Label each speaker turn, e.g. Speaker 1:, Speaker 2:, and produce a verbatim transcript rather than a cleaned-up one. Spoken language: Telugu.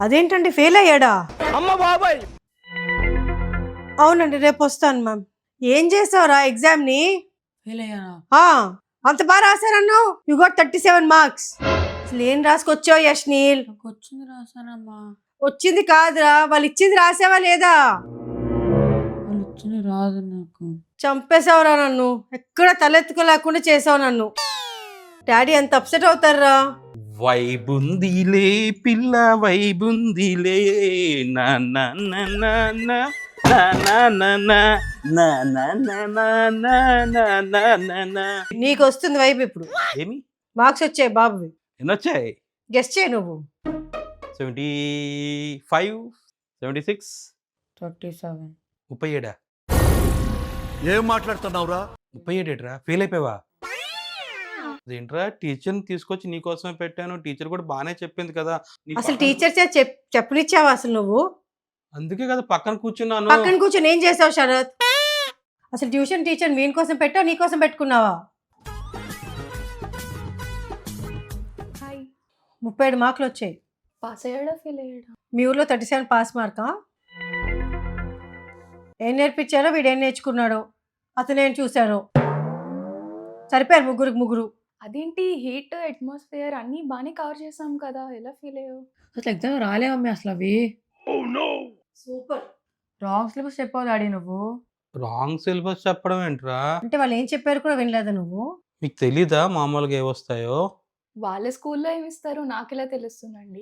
Speaker 1: అదేంటండి ఫెయిల్ అయ్యాడా?
Speaker 2: అమ్మ బాబాయ్.
Speaker 1: అవునండి రేపు వస్తాను మ్యామ్. ఏం చేసావురా ఎగ్జామ్ ని?
Speaker 3: ఫెయిల్ అయ్యానా?
Speaker 1: ఆ, అంత బాగా రాశారన్నావు. You got thirty seven marks. అసలు ఏం రాసుకొచ్చావు యష్నీల్?
Speaker 3: నాకు వచ్చింది రాసానమ్మా.
Speaker 1: వచ్చింది కాదురా, వాళ్ళు ఇచ్చింది రాసావా లేదా?
Speaker 3: వాళ్ళు వచ్చింది రాదు నాకు.
Speaker 1: చంపేశావురా నన్ను. ఎక్కడ తలెత్తుకోలేకుండా చేసావు నన్ను. డాడీ ఎంత అప్సెట్ అవుతారా?
Speaker 2: వైబుందిలే పిల్ల వైబుందిలే నా నా నా నా నా నా నా నా నా నా నా నా నా నా నా నా నా.
Speaker 1: నీకు వస్తుంది వైపు ఇప్పుడు.
Speaker 2: ఏమి
Speaker 1: మార్క్స్ వచ్చాయి బాబువి.
Speaker 2: ఎన్ని వచ్చాయి?
Speaker 1: గెస్ట్ చేయి నువ్వు.
Speaker 2: Seventy five seventy six
Speaker 3: thirty seven.
Speaker 2: ముప్పై ఏడా?
Speaker 4: ఏం మాట్లాడుతున్నావురా?
Speaker 2: ముప్పై ఏడేట్రా? ఫెయిల్ అయిపోయావా? అదేంట్రా, టీచర్ని తీసుకొచ్చి నీకోసమే పెట్టాను, టీచర్ కూడా బాగానే చెప్పింది కదా. నీ
Speaker 1: అసలు
Speaker 2: పక్కన-
Speaker 1: టీచర్ చే చెప్ చెప్పనిచ్చావా అసలు నువ్వు?
Speaker 2: అందుకే కదా పక్కన కూర్చున్నాను.
Speaker 1: పక్కన కూర్చొని ఏం చేసావు శరత్? అసలు ట్యూషన్ టీచర్ మీన్ కోసం పెట్టావు, నీ కోసం పెట్టుకున్నావా?
Speaker 5: హాయ్.
Speaker 1: ముప్పై ఏడు మార్కులు వచ్చాయి.
Speaker 5: Pass అయ్యాడా fail అయ్యాడా?
Speaker 1: మీ ఊర్లో థర్టీ సెవెన్ పాస్ మార్కా? ఏం నేర్పించారో వీడు ఏం నేర్చుకున్నాడో అతను ఏం చూశారో. సరిపోయారు ముగ్గురికి ముగ్గురు.
Speaker 5: అదేంటి హీట్ అట్మాస్ఫియర్ అన్నీ బాగానే కవర్ చేసాం కదా, ఎలా ఫీల్ అయ్యావు?
Speaker 3: అసలు ఎగ్జామ్ రాలేవమ్మి అసలు అవి.
Speaker 1: సూపర్.
Speaker 3: రాంగ్ సిలబస్ చెప్పావు డాడీ నువ్వు.
Speaker 2: రాంగ్ సిలబస్ చెప్పడం ఏంట్రా?
Speaker 1: అంటే వాళ్ళు ఏం చెప్పారు కూడా వినలేదా నువ్వు?
Speaker 2: మీకు తెలీదా మామూలుగా ఏ వస్తాయో?
Speaker 5: వాళ్ళ స్కూల్లో ఏమి ఇస్తారో నాకు ఎలా తెలుస్తుందండి?